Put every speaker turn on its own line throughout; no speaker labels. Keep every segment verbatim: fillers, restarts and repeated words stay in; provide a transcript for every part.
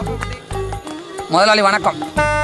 முதலாளி வணக்கம்.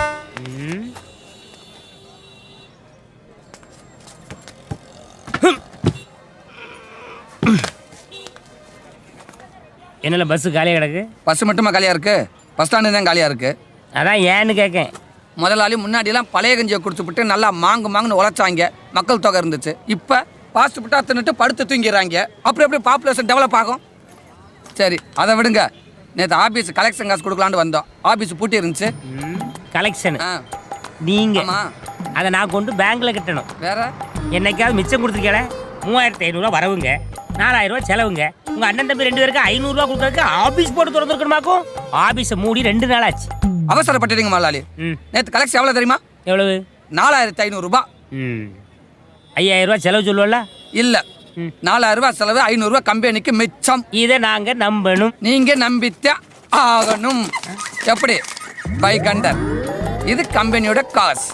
என்னல பஸ் காலியா கிடக்கு?
பஸ் மட்டுமா காலியா இருக்கு? பஸ் ஸ்டாண்டு தான் காலியா இருக்கு.
அதான் ஏன்னு கேட்கேன்.
முதலாளி முன்னாடியெல்லாம் பழைய கஞ்சியை குடிச்சுப்புட்டு நல்லா மாங்கு மாங்குன்னு உழைச்சாங்க, மக்கள் தொகை இருந்துச்சு. இப்போ பாஸ்ட் புட்டா தின்னுட்டு படுத்து தூங்கிறாங்க. அப்புறம் எப்படி பாப்புலேஷன் டெவலப் ஆகும்? சரி அதை விடுங்க. நேற்று ஆஃபீஸ் கலெக்ஷன் காசு கொடுக்கலான்னு வந்தோம். ஆஃபீஸ் பூட்டி இருந்துச்சு.
கலெக்ஷன் நீங்க அதை நான் கொண்டு பேங்க்ல கட்டணும்.
வேற
என்னைக்காவது மிச்சம் கொடுத்துருக்கேன். மூவாயிரத்தி ஐநூறுரூவா வரவுங்க, நாலாயிரம் ரூபா செலவுங்க. உங்க அண்ணன் தம்பி ரெண்டு பேருக்கு ஐநூறுரூவா கொடுக்கறதுக்கு ஆஃபீஸ் போட்டு திறந்துருக்கணுமாக்கும். ஆஃபீஸை மூடி ரெண்டு நாள் ஆச்சு.
அவசரப்பட்டுட்டீங்க முதலாளி. நேற்று கலெக்ஷன் எவ்வளோ தெரியுமா?
எவ்வளவு?
நாலாயிரத்தி ஐநூறுரூபா.
ம் ஐயாயிரம் ரூபா செலவு சொல்லுவல?
இல்லை, நாலாயிரம் ரூபா செலவு, ஐநூறுரூவா கம்பெனிக்கு மிச்சம்.
இதை நாங்க நம்பணும்.
நீங்க நம்பித்தே ஆகணும். எப்படி? பை கண்டர். இது கம்பெனியோட காசு.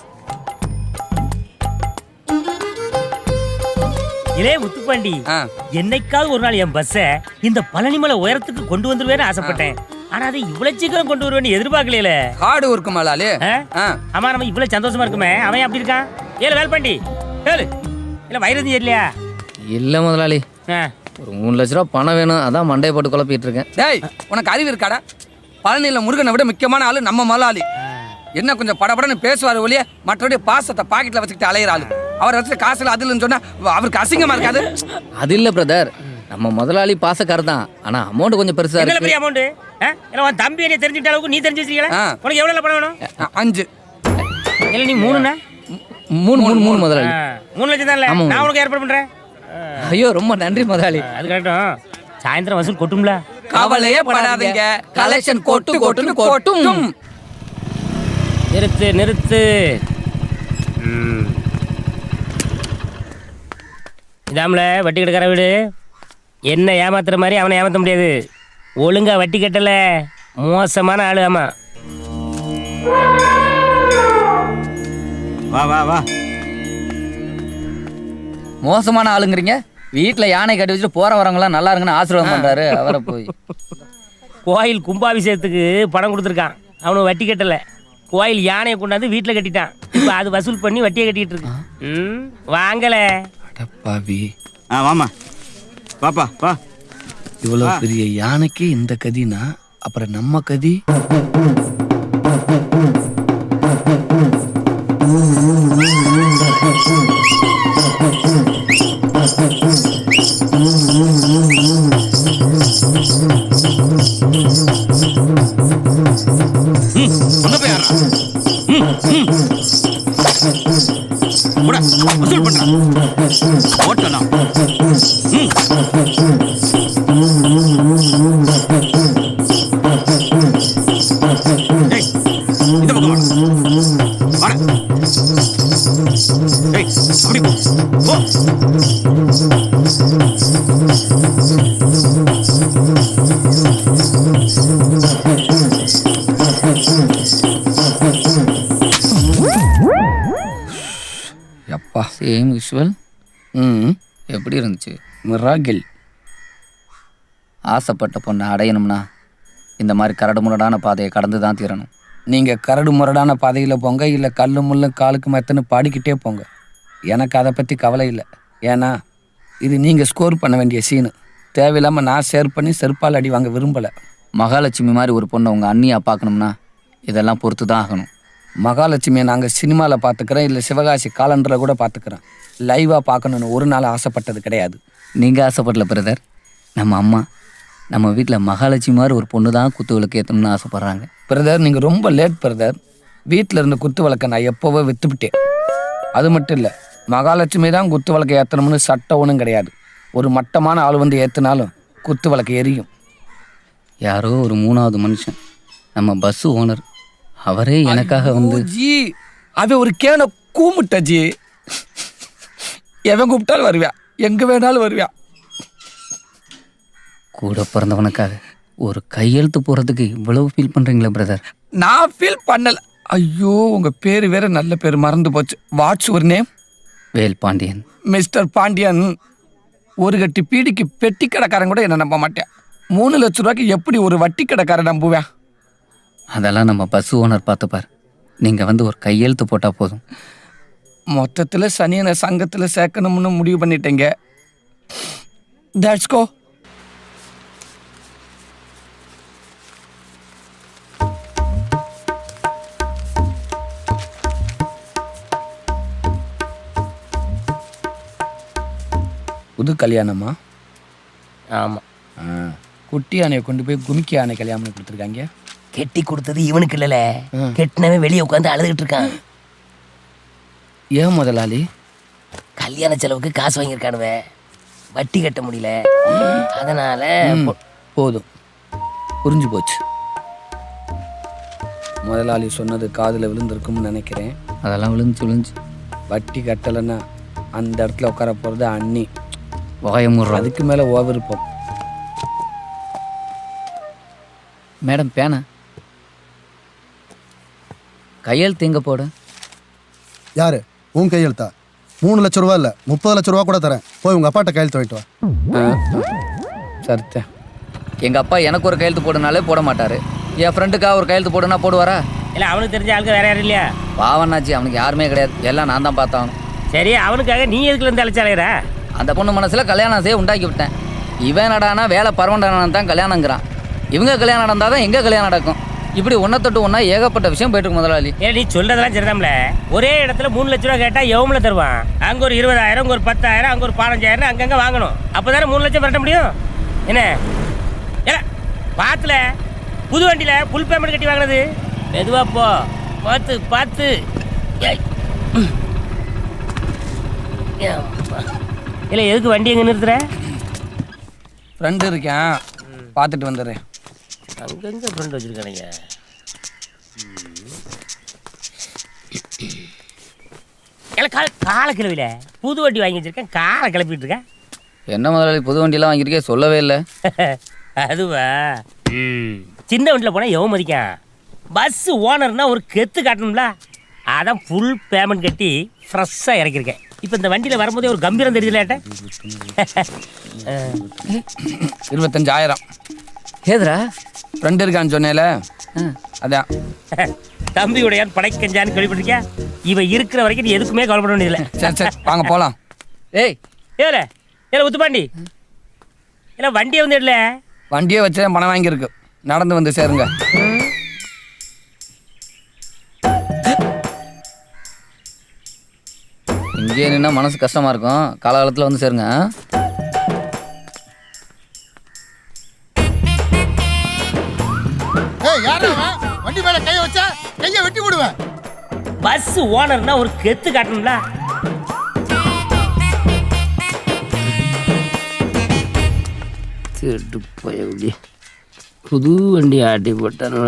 இதே முத்துப்பாண்டி, என்னைக்காவது ஒரு நாள் என் பஸ்ஸை இந்த பழனிமலை உயரத்துக்கு கொண்டு வந்துருவேன்னு ஆசைப்பட்டேன். ஆனா அது இவ்வளவு சீக்கிரம் கொண்டு வருவேன்னு எதிர்பார்க்கலையில.
Hard work மலாலி.
ஆமா, நம்ம இவ்வளவு சந்தோஷமா இருக்குமே, அவன் அப்படி இருக்கான். ஏழு வேல்பாண்டி ஏழு இல்ல வைரதி இல்லையா?
இல்ல முதலாளி, ஒரு மூணு லட்ச ரூபா பணம் வேணும், அதான் மண்டையை போட்டு குழப்பிட்டு இருக்கேன்.
டேய், உனக்கு அறிவு இருக்காடா? பழனியில் முருகனை விட முக்கியமான ஆளு நம்ம மலாலி. என்ன கொஞ்சம் படபடன்னு பேசுவார் ஒழிய மற்றபடி பாசத்தை பாக்கெட்ல வச்சுக்கிட்டு அலையிற ஆளு. அவர் வச்சு காசுல அதுலன்னு சொன்னா அவருக்கு அசிங்கமா இருக்காது?
அது இல்ல பிரதர், நம்ம முதலாளி பாசக்காரர் தான், ஆனா அமௌண்ட் கொஞ்சம் பெருசா இருக்கு.
என்ன பெரிய அமௌண்ட்? உன் தம்பி என்ன தெரிஞ்சுட்ட அளவுக்கு நீ தெரிஞ்சு வச்சிருக்கீங்களா? உனக்கு எவ்வளவு பணம் வேணும்?
அஞ்சு.
இல்ல நீ மூணுண்ணா?
மூணு மூணு மூணு முதலாளி.
மூணு லட்சம் தான். நான் உனக்கு ஏற்பாடு பண்றேன்.
ஐயோ ரொம்ப நன்றி முதலாளி.
அது கரெக்டும். சாயந்தரம் வசூல் கொட்டும்ல?
கவலையே படாதீங்க, கலெக்ஷன் கொட்டு கொட்டுன்னு கொட்டும்.
நிறுத்து நிறுத்து. இதாமல வட்டி கட்டுக்கிற வீடு. என்ன ஏமாத்துற மாதிரி அவனை ஏமாத்த முடியாது. ஒழுங்கா வட்டி கட்டல மோசமான ஆளு. ஆமா
வா வா வா.
மோசமான ஆளுங்கிறீங்க? வீட்டுல யானை கட்டி வச்சுட்டு போற வரவங்களாம் நல்லா இருக்குன்னு ஆசீர்வாதம் பண்றாரு. அவரை போய்
கோயில் கும்பாபிஷேகத்துக்கு பணம் கொடுத்துருக்கான், அவனுக்கு வட்டி கட்டல. கோயில் யானையை கொண்டாந்து வீட்டுல கட்டிட்டான். இப்ப அது வசூல் பண்ணி வட்டியை கட்டிட்டு இருக்கு. ம் வாங்கல
அடப்பாவி.
ஆ வாமா பாப்பா வா.
இவ்வளவு பெரிய யானைக்கு இந்த கதினா அப்புறம் நம்ம கதி.
வசூல் பண்றான் ஓட்டலாம். இந்த பக்கம் வாடா. ஏய் அப்படி போ.
அப்பா சேம் விஷுவல். ம் எப்படி இருந்துச்சு?
மிராகில்.
ஆசைப்பட்ட பொண்ணை அடையணும்னா இந்த மாதிரி கரடு முரடான பாதையை கடந்து தான் தீரணும்.
நீங்கள் கரடு முரடான பாதையில் போங்க, இல்லை கல்லு முள்ளு காலுக்கு மெத்தன்னு பாடிக்கிட்டே போங்க. எனக்கு அதை பற்றி கவலை இல்லை. ஏன்னா இது நீங்கள் ஸ்கோர் பண்ண வேண்டிய சீனு. தேவையில்லாமல் நான் ஷேர் பண்ணி செருப்பால் அடி வாங்க விரும்பலை.
மகாலட்சுமி மாதிரி ஒரு பொண்ணை உங்கள் அண்ணியாக பார்க்கணும்னா இதெல்லாம் பொறுத்து தான் ஆகணும்.
மகாலட்சுமியை நாங்கள் சினிமாவில் பார்த்துக்கிறோம், இல்லை சிவகாசி காலண்டரில் கூட பார்த்துக்கிறோம். லைவாக பார்க்கணுன்னு ஒரு நாள் ஆசைப்பட்டது கிடையாது.
நீங்கள் ஆசைப்படல பிரதர். நம்ம அம்மா நம்ம வீட்டில் மகாலட்சுமி மாதிரி ஒரு பொண்ணு தான் குத்து விளக்கு ஏற்றணும்னு ஆசைப்பட்றாங்க.
பிரதர் நீங்கள் ரொம்ப லேட் பிரதர். வீட்டில் இருந்த குத்து விளக்கை நான் எப்போவோ விற்றுப்பிட்டேன். அது மட்டும் இல்லை, மகாலட்சுமி தான் குத்து விளக்கை ஏற்றணும்னு சட்டம் ஒன்றும் கிடையாது. ஒரு மட்டமான ஆள் வந்து ஏற்றினாலும் குத்து விளக்கு எரியும்.
யாரோ ஒரு மூணாவது மனுஷன், நம்ம பஸ்ஸு ஓனர், அவரே எனக்காக வந்து
ஜி அவன் ஒரு கேன கூமுட்ட ஜி. எவன் கூப்பிட்டாலும் வருவியா, எங்கே வேணாலும் வருவியா.
கூட பிறந்தவனுக்காக ஒரு கையெழுத்து போகிறதுக்கு இவ்வளவு ஃபீல் பண்ணுறீங்களா பிரதர்?
நான் ஃபீல் பண்ணல. ஐயோ உங்கள் பேர் வேற நல்ல பேர் மறந்து போச்சு. வாட்ஸ் ஒரு நேம்?
வேல் பாண்டியன்.
மிஸ்டர் பாண்டியன், ஒரு கட்டி பீடிக்கு பெட்டி கடைக்காரன் கூட என்ன நம்ப மாட்டேன். மூணு லட்ச ரூபாய்க்கு எப்படி ஒரு வட்டி கடைக்காரன் நம்புவேன்?
அதெல்லாம் நம்ம பஸ் ஓனர் பார்த்துப்பார். நீங்கள் வந்து ஒரு கையெழுத்து போட்டால் போதும்.
மொத்தத்தில் சனியனை சங்கத்தில் சேர்க்கணும்னு முடிவு பண்ணிட்டேங்க. That's go. புது கல்யாணமா?
ஆமாம்.
குட்டி யானையை கொண்டு போய் குமிக்கி யானை கல்யாணம் கொடுத்துருக்காங்க.
கெட்டி கொடுத்தது இவனுக்கு இல்லைல்ல, கெட்டினவன் வெளியே உட்காந்து அழுதுகிட்டு இருக்கான்.
ஏன் முதலாளி?
கல்யாண செலவுக்கு காசு வாங்கியிருக்கானுவ, வட்டி கட்ட முடியல, அதனால
ம், போதும், புரிஞ்சு போச்சு. முதலாளி சொன்னது காதில் விழுந்திருக்கும்னு நினைக்கிறேன்.
அதெல்லாம் விழுந்துச்சு விழுந்துச்சு.
வட்டி கட்டலைன்னா அந்த இடத்துல உட்கார போகிறது அண்ணி.
வாயமுடுறோம்.
அதுக்கு மேலே ஓவிருப்போம்.
மேடம் பேனா கையெழுத்து எங்கே போட?
யாரு உன் கையெழுத்தா? மூணு லட்ச ரூபா இல்லை, முப்பது லட்ச ரூபா கூட தரேன். போய் உங்கள் அப்பாட்ட கையெழுத்து வாங்கிட்டு வா.
சரித்த.
எங்கள் அப்பா எனக்கு ஒரு கையெழுத்து போடுனாலே போட மாட்டார். என் ஃப்ரெண்டுக்காக ஒரு கையெழுத்து போடுனா போடுவாரா?
இல்லை, அவனுக்கு தெரிஞ்ச ஆளுக்கு வேற யாரும் இல்லையா?
பாவனாச்சு, அவனுக்கு யாருமே கிடையாது. எல்லாம் நான் தான் பார்த்தாகணும்.
சரி, அவனுக்காக நீ எதுக்குல இருந்து அழைச்சாலேரா?
அந்த பொண்ணு மனசில் கல்யாணம் செய்ய உண்டாக்கி விட்டேன். இவன் நடானா வேலை பரவண்டானா தான் கல்யாணங்கிறான். இவங்க கல்யாணம் நடந்தால் தான் எங்கே கல்யாணம் நடக்கும். இப்படி ஒன்றை தொட்டு ஒன்றா ஏகப்பட்ட விஷயம் போயிட்டு இருக்கு முதலாளி.
ஏன் நீ சொல்றதெல்லாம் சரிதான்ல. ஒரே இடத்துல மூணு லட்ச ரூபா கேட்டா எவ்வளோ தருவான்? அங்கே ஒரு இருபதாயிரம், அங்கே ஒரு பத்தாயிரம், அங்கே ஒரு பதினஞ்சாயிரம் அங்கங்கே வாங்கணும். அப்போ தானே மூணு லட்சம் பரட்ட முடியும். என்ன ஏ பாத்துல புது வண்டியில் ஃபுல் பேமெண்ட் கட்டி வாங்கினது. மெதுவா போ, பார்த்து பார்த்து. இல்லை, எதுக்கு வண்டி எங்கே நிறுத்துற?
ஃப்ரெண்டு இருக்கேன், பார்த்துட்டு வந்துடுறேன்.
அங்கங்கே ஃப்ரெண்ட் வச்சுருக்கானுங்க. எல்லாம் கால காலை கிளவில புது வண்டி வாங்கி வச்சிருக்கேன், காலை கிளப்பிட்டு இருக்கேன்.
என்ன முதலாளி புது வண்டியெல்லாம் வாங்கியிருக்கே, சொல்லவே இல்லை.
அதுவா? சின்ன வண்டியில் போனால் எவன் மதிக்கான்? பஸ் ஓனர்னா ஒரு கெத்து காட்டணும்ல, அதான் ஃபுல் பேமெண்ட் கட்டி ஃப்ரெஷ்ஷாக இறக்கியிருக்கேன். இப்போ இந்த வண்டியில் வரும்போதே ஒரு கம்பீரம் தெரியுதுலேட்ட.
இருபத்தஞ்சாயிரம்.
ஏதுரா?
ஃப்ரெண்டு இருக்கான்னு சொன்னேல, அதான்.
தம்பியுடைய படைக்கஞ்சான்னு கேள்விப்பட்டிருக்கியா? இவன் இருக்கிற வரைக்கும் நீ எதுக்குமே கவலைப்பட வேண்டியதில்லை.
சரி சரி வாங்க போகலாம்.
ஏய்
ஏல ஏல உத்துப்பாண்டி, இல்லை வண்டியை வந்து இடல.
வண்டியே வச்சு பணம் வாங்கியிருக்கு, நடந்து வந்து சேருங்க.
இங்கே நின்னா மனசு கஷ்டமா இருக்கும், காலகாலத்தில் வந்து சேருங்க.
ஏய் யாரா அவன்? வண்டி மேல கைய வச்சா கைய வெட்டி போடுவேன்.
பஸ் ஓனர்னா ஒரு கெத்து காட்டணும்ல. திருட்டு போய் புது வண்டி ஆட்டி போட்டானுல.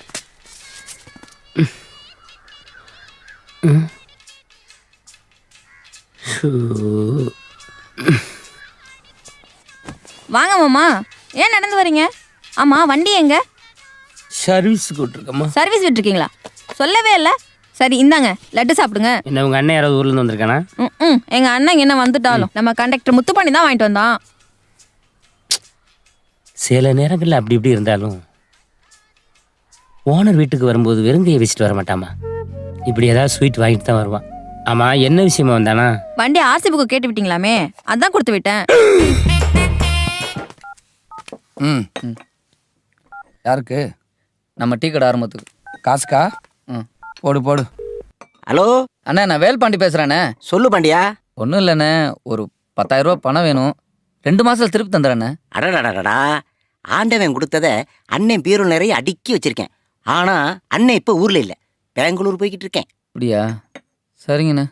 வாங்க மாமா, ஏன் நடந்து வரீங்க? ஆமா, வண்டி எங்க?
சர்வீஸ் கூட்டிருக்கம்மா.
சர்வீஸ் விட்டுருக்கீங்களா? சொல்லவே இல்லை. சரி இந்தாங்க, லட்டு சாப்பிடுங்க.
என்ன உங்க அண்ணன் யாராவது ஊர்ல இருந்து வந்திருக்கானா?
ம் ம் எங்க அண்ணன் என்ன வந்துட்டாலும் நம்ம கண்டக்டர் முத்துப்பாண்டி தான் வாங்கிட்டு வந்தான்.
சில நேரங்களில் அப்படி இப்படி இருந்தாலும் ஓனர் வீட்டுக்கு வரும்போது வெறுங்கையை வச்சுட்டு வர மாட்டாமா. இப்படி ஏதாவது ஸ்வீட் வாங்கிட்டு தான் வருவான். ஆமா, என்ன விஷயமா வந்தானா?
வண்டி ஆர்சி புக்கு கேட்டு விட்டீங்களாமே, அதான் கொடுத்து விட்டேன்.
ம் யாருக்கு?
நம்ம டீ கடை ஆரம்பத்துக்கு.
காசுக்கா?
ம்
போடு போடு.
ஹலோ
அண்ணா, நான் வேல்பாண்டி பேசுகிறேண்ணே.
சொல்லு பாண்டியா.
ஒன்றும் இல்லைண்ணே, ஒரு பத்தாயிரம் ரூபா பணம் வேணும். ரெண்டு மாதத்தில் திருப்பி தந்துடுறேண்ணே.
அடடடடா, ஆண்டவன் கொடுத்தத அண்ணன் பீரோல் நிறைய அடுக்கி வச்சிருக்கேன். ஆனா அண்ணன் இப்போ ஊர்ல இல்லை, பெங்களூர் போய்கிட்டு இருக்கேன்.
அப்படியா? சரிங்கண்ணே.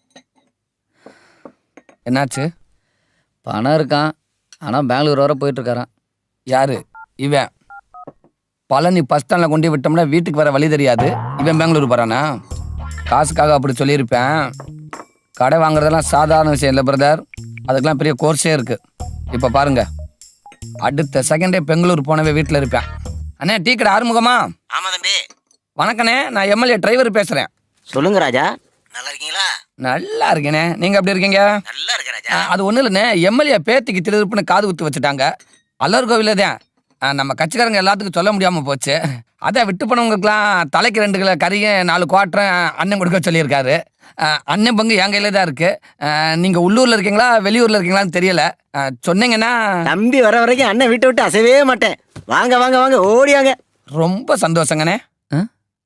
என்னாச்சு?
பணம் இருக்கான், ஆனால் பெங்களூர் வர போயிட்டுருக்காரான்.
யாரு இவன்? பழனி பஸ் ஸ்டாண்டில் கொண்டு விட்டோம்னா வீட்டுக்கு வர வழி தெரியாது. இவன் பெங்களூர் போகிறானா? காசுக்காக அப்படி சொல்லியிருப்பேன். கடை வாங்குறதெல்லாம் சாதாரண விஷயம் இல்லை பிரதர், அதுக்கெல்லாம் பெரிய கோர்ஸே இருக்குது. இப்போ பாருங்க, அடுத்த செகண்டே பெங்களூர் போனவே வீட்டில் இருப்பேன். அண்ணே டீ கடை ஆறுமுகமா?
ஆமா தம்பி.
வணக்கண்ணே, நான் எம்எல்ஏ டிரைவர் பேசுகிறேன்.
சொல்லுங்க ராஜா. நல்லா இருக்கீங்களா?
நல்லா இருக்கேனே, நீங்கள் எப்படி இருக்கீங்க?
நல்லா இருக்க ராஜா.
ஆ, அது ஒன்றும் இல்லைண்ணே, எம்எல்ஏ பேத்திக்கு திருப்புன்னு காது குத்து வச்சுட்டாங்க. அல்லர் கோவில தான். ஆ, நம்ம கட்சிக்காரங்க எல்லாத்துக்கும் சொல்ல முடியாமல் போச்சு. அதான் விட்டு போனவங்களுக்குலாம் தலைக்கு ரெண்டு கிலோ கறியும் நாலு குவாட்டரும் அண்ணன் கொடுக்க சொல்லியிருக்காரு. ஆ, அண்ணன் பங்கு என் கையில் தான் இருக்குது. நீங்கள் உள்ளூரில் இருக்கீங்களா வெளியூரில் இருக்கீங்களான்னு தெரியல. ஆ, சொன்னீங்கன்னா
தம்பி வர வரைக்கும் அண்ணன் வீட்டை விட்டு அசையவே மாட்டேன். வாங்க வாங்க வாங்க ஓடியாங்க.
ரொம்ப சந்தோஷங்கண்ணே.
ஆ?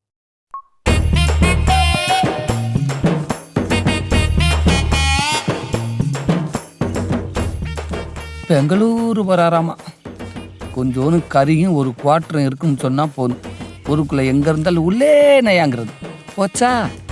பெங்களூரு வராராமா. கொஞ்சோன்னு கறியும் ஒரு குவாட்டரும் இருக்குன்னு சொன்னால் போதும். ஊருக்குள்ளே எங்கே இருந்தாலும் உள்ளே நயாங்கிறது போச்சா.